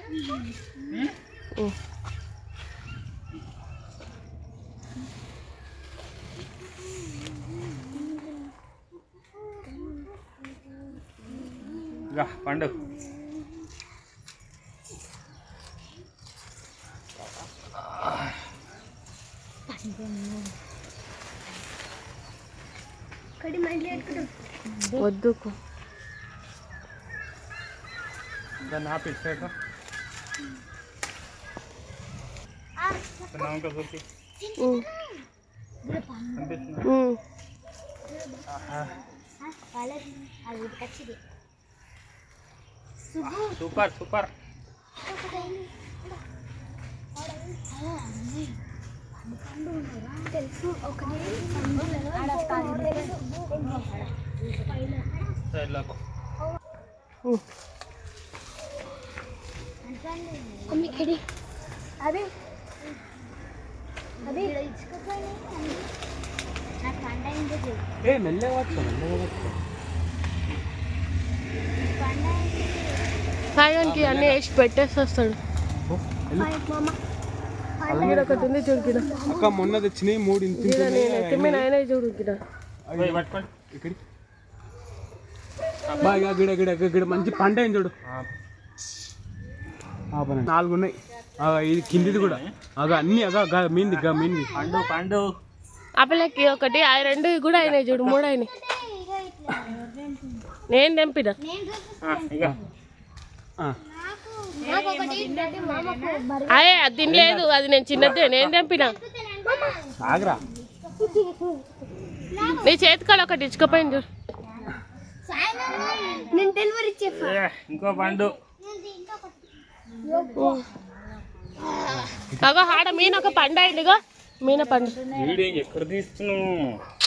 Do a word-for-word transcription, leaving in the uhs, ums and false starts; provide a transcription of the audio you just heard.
పండు వద్దుకు దాన్ని ఆపిస్తాక super super తెలుసు అదే అదే ఏ మెల్లగా వచ్చు మెల్లగా వచ్చు సాయానికి అన్నీ వేసి పెట్టేసి వస్తాడు. ఒకటి ఉంది చూడు అక్క మొన్న తెచ్చినాయి మూడు తిమ్మిన ఆయన చూడు ఇక్కడ బాగా గిడ గిడ గిడ మంచి పంట అయింది చూడు. నాలుగు ఉన్నాయి ఇది కిందిది కూడా అగ అన్ని అగ మీంది గా మీంది పండు పండు ఆ పిల్లకి ఒకటి ఆ రెండు కూడా అయినాయి చూడు మూడు అయినాయి. నేను తెంపిన అదే అది తినలేదు అది నేను చిన్నదే నేను తెంపిన. నీ చేతికాడ ఒకటి ఇచ్చుకోపోయింది చూడు. ఇంకో పండు అగో ఆడ మీన ఒక పండు అయిందిగో మీన పండు ఎక్కడ తీస్తున్నావు